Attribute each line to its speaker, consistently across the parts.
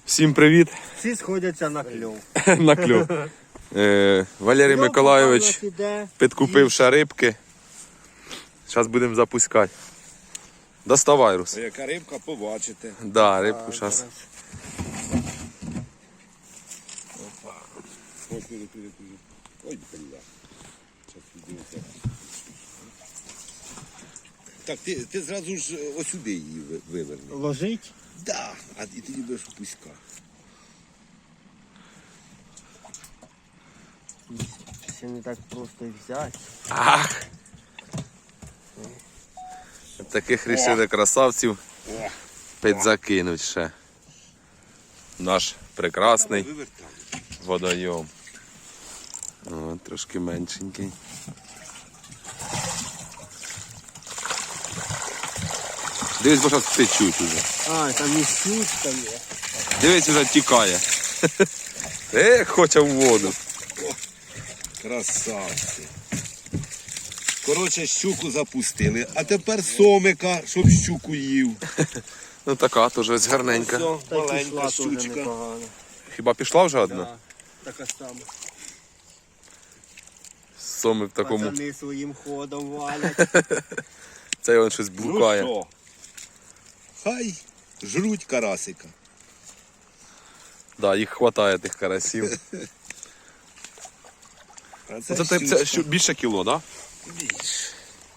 Speaker 1: Всім привіт!
Speaker 2: Всі сходяться на кльов.
Speaker 1: На кльов. Валерій Миколайович підкупив рибки. Зараз будемо запускати. Доставай, Рус.
Speaker 3: Яка рибка, побачите.
Speaker 1: Да, рибку зараз.
Speaker 3: Ой, бля. Щас відділиться. Так, ти зразу ж осюди її виверни.
Speaker 2: Ложить.
Speaker 3: Да, а і тоді будеш пуська.
Speaker 2: Ще не так просто і взяти.
Speaker 1: Ах! Таких рішили красавців підзакинуть ще. Наш прекрасний
Speaker 3: Вивертай.
Speaker 1: водойом. О, трошки меншенький. Дивись, бо зараз течуть уже.
Speaker 2: А, там і щучка є.
Speaker 1: Дивись, вже тікає. Хоче в воду.
Speaker 3: Красавці. Коротше, щуку запустили, а тепер сомика, щоб щуку їв.
Speaker 1: Ну така теж ось гарненька.
Speaker 3: Ось,
Speaker 2: Та й
Speaker 3: маленька
Speaker 2: пішла теж
Speaker 3: щучка.
Speaker 2: непогано.
Speaker 1: Хіба пішла вже одна?
Speaker 2: Да, така сама.
Speaker 1: Соми в такому.
Speaker 2: Пацани своїм ходом валять.
Speaker 1: Це він щось
Speaker 3: Ну
Speaker 1: блукає.
Speaker 3: що? Хай жруть карасика.
Speaker 1: Да, їх хватає тих карасів.
Speaker 3: А
Speaker 1: Це більше кіло, так?
Speaker 3: більше.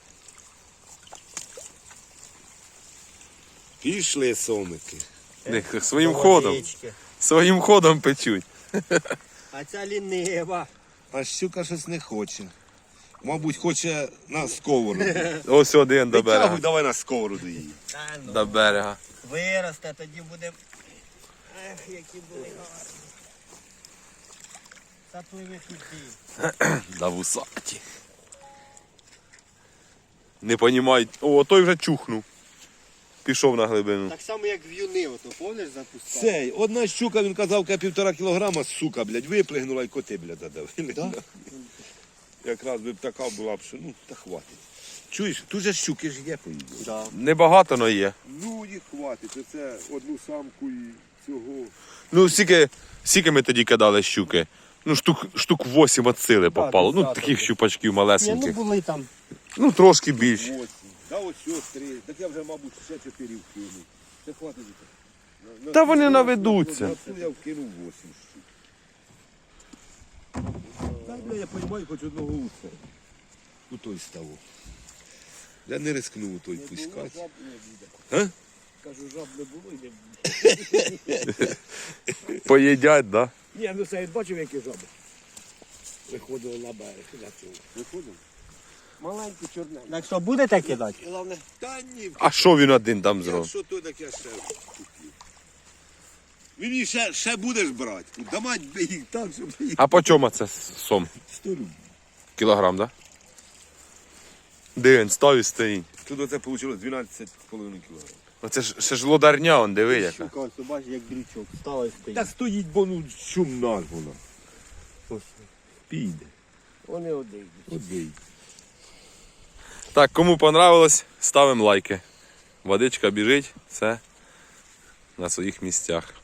Speaker 3: Пішли сомики.
Speaker 1: Да? Своїм ходом.
Speaker 2: Водички.
Speaker 1: Своїм ходом печуть.
Speaker 2: А ця лінива.
Speaker 3: А щука щось не хоче. Мабуть, хоче на сковороду.
Speaker 1: Ось один до
Speaker 3: Витягуй,
Speaker 1: берега.
Speaker 3: давай на сковороду її.
Speaker 2: Та ну,
Speaker 1: До берега.
Speaker 2: виросте, тоді буде. Ех, які були гарні. Запливи туди.
Speaker 1: Да вусаті. Не понімають. О, той вже чухнув. Пішов на глибину.
Speaker 2: Так само, як в юни, ото, помниш, запускав?
Speaker 3: Цей, одна щука, він казав, 1,5 кілограма, сука, блядь, виплигнула і коти, блядь, задавили.
Speaker 2: Да?
Speaker 3: Якраз би б така була б, що, ну, та хватить. Чуєш, тут же щуки ж є, поїдуть.
Speaker 2: Да.
Speaker 1: Небагато, но є.
Speaker 3: Ну, їх хватить, оце одну самку і цього.
Speaker 1: Ну, скільки ми тоді кидали щуки? Ну, штук 8 від сили попало. Ну,
Speaker 2: десяток.
Speaker 1: таких щупачків
Speaker 2: Ні, ну
Speaker 1: малесеньких.
Speaker 2: були там.
Speaker 1: Ну, трошки більше.
Speaker 3: 8. Да ось ось 3. Так я вже, мабуть, ще 4 вкину. Це хватить.
Speaker 1: Та вони наведуться.
Speaker 3: На цю я вкинув 8 штук. Та, бля, я розумію, хоч одного уса. У той ставу. Я не рискнув у той пускати. А?
Speaker 4: Кажу, жаб не було і не буде.
Speaker 1: Поїдять, да?
Speaker 4: Ні, ну це я бачив, які жаби. Виходили на берег на цьому.
Speaker 3: Виходимо?
Speaker 4: Маленькі чорненькі.
Speaker 2: Так що, будете кидати?
Speaker 4: Головне,
Speaker 3: Та ні,
Speaker 1: А що він один там зробив?
Speaker 3: якщо то, так я ще купив. Ви мені ще будеш брати. Да мать би їх так, щоб їх.
Speaker 1: А по чому це сом?
Speaker 3: 100 рублів.
Speaker 1: Кілограм, да? Де він став і стоїть?
Speaker 3: Тут оце вийшло 12,5 кілограмів.
Speaker 1: Оце ж ще ж лодарня, он диви яка.
Speaker 2: Щука, ось бачиш, як дрючок. Стала і стоїть.
Speaker 3: Та стоїть, бо ну шумна ж вона.
Speaker 2: Ось.
Speaker 3: Піде.
Speaker 4: вони одійдуть.
Speaker 3: Одій.
Speaker 1: Так, кому понравилось, ставимо лайки. Водичка біжить, все на своїх місцях.